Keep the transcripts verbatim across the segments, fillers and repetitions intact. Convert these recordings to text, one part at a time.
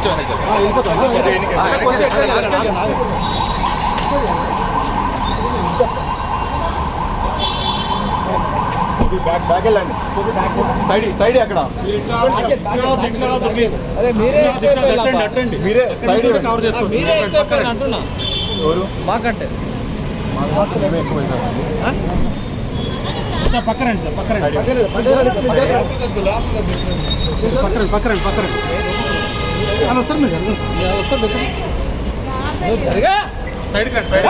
back back వెళ్ళండి side side అక్కడ మీరే సైడ్ కవర్ చేసుకోవచ్చు ఎవరు మాకంటే సార్ పక్కరండి సార్ పక్కరండి పక్కరండి పక్కరండి పక్కరండి అలా వస్తారు మీరు వస్తారు సైడ్ కండి సైడ్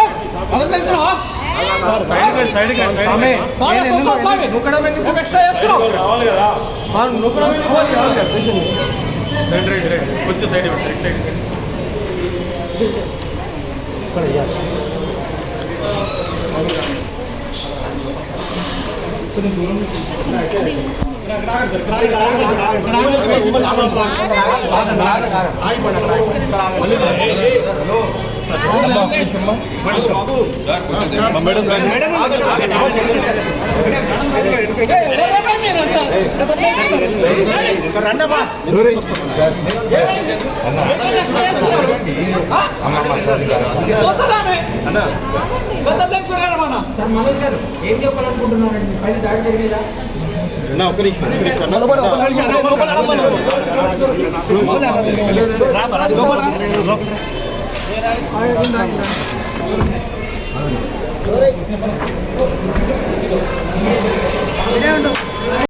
సార్ సైడ్ కండి సైడ్ కండి రైట్ రైట్ రైట్ కొంచెం సైడ్ ఇవ్వండి సైడ్ సైడ్ కొంచెం దూరం నుంచి ఏం చెప్పాలనుకుంటున్నారండి పైన దాడి జరిగేదా ఒక నిమిషం లోపల